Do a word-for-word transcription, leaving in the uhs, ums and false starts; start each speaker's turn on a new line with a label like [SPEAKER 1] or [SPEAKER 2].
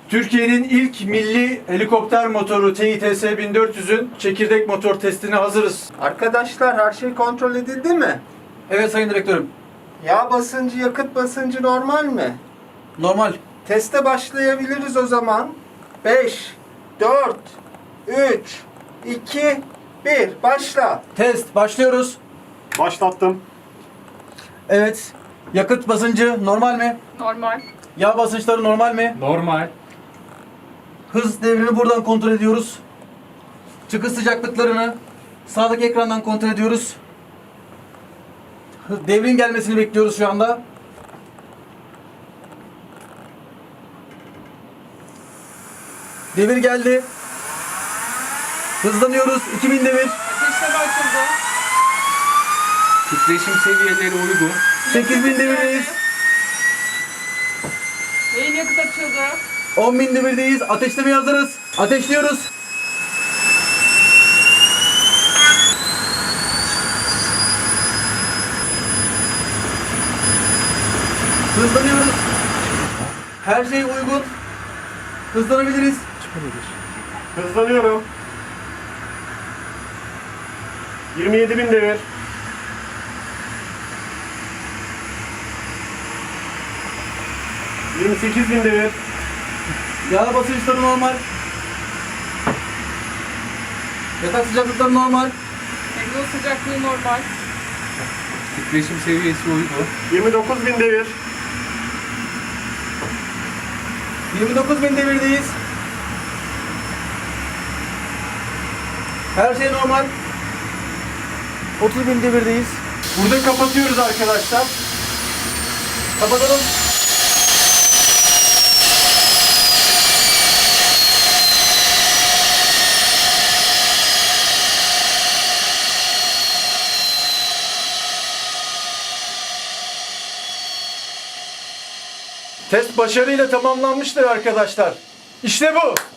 [SPEAKER 1] Türkiye'nin ilk milli helikopter motoru T İ T S bin dört yüz'ün çekirdek motor testine hazırız.
[SPEAKER 2] Arkadaşlar her şey kontrol edildi mi?
[SPEAKER 1] Evet sayın direktörüm.
[SPEAKER 2] Yağ basıncı, yakıt basıncı normal mi?
[SPEAKER 1] Normal.
[SPEAKER 2] Teste başlayabiliriz o zaman. beş, dört, üç, iki, bir. Başla.
[SPEAKER 1] Test başlıyoruz.
[SPEAKER 3] Başlattım.
[SPEAKER 1] Evet. Yakıt basıncı normal mi?
[SPEAKER 4] Normal.
[SPEAKER 1] Yağ basınçları normal mi?
[SPEAKER 5] Normal.
[SPEAKER 1] Hız devrini buradan kontrol ediyoruz. Çıkış sıcaklıklarını sağdaki ekrandan kontrol ediyoruz. Hı- Devrin gelmesini bekliyoruz şu anda. Devir geldi. Hızlanıyoruz. iki bin devir.
[SPEAKER 4] Ateşleme açıldı.
[SPEAKER 5] Titreşim seviyeleri uygun.
[SPEAKER 1] sekiz bin devirdeyiz.
[SPEAKER 4] Yayın yakıt açıldı.
[SPEAKER 1] on bin devirdeyiz. Ateşlemeye hazırız. Ateşliyoruz. Hızlanıyoruz. Her şey uygun. Hızlanabiliriz.
[SPEAKER 3] Hızlanıyorum. yirmi yedi bin devir. yirmi sekiz bin devir.
[SPEAKER 1] Yağ basınçları normal. Yatak sıcaklıkları normal.
[SPEAKER 4] Egzoz sıcaklığı normal.
[SPEAKER 5] Titreşim seviyesi uygun.
[SPEAKER 3] yirmi dokuz bin devir.
[SPEAKER 1] yirmi dokuz bin devirdeyiz. Her şey normal. otuz bin devirdeyiz.
[SPEAKER 3] Burada kapatıyoruz arkadaşlar.
[SPEAKER 1] Kapatalım.
[SPEAKER 3] Test başarıyla tamamlanmıştır arkadaşlar. İşte bu.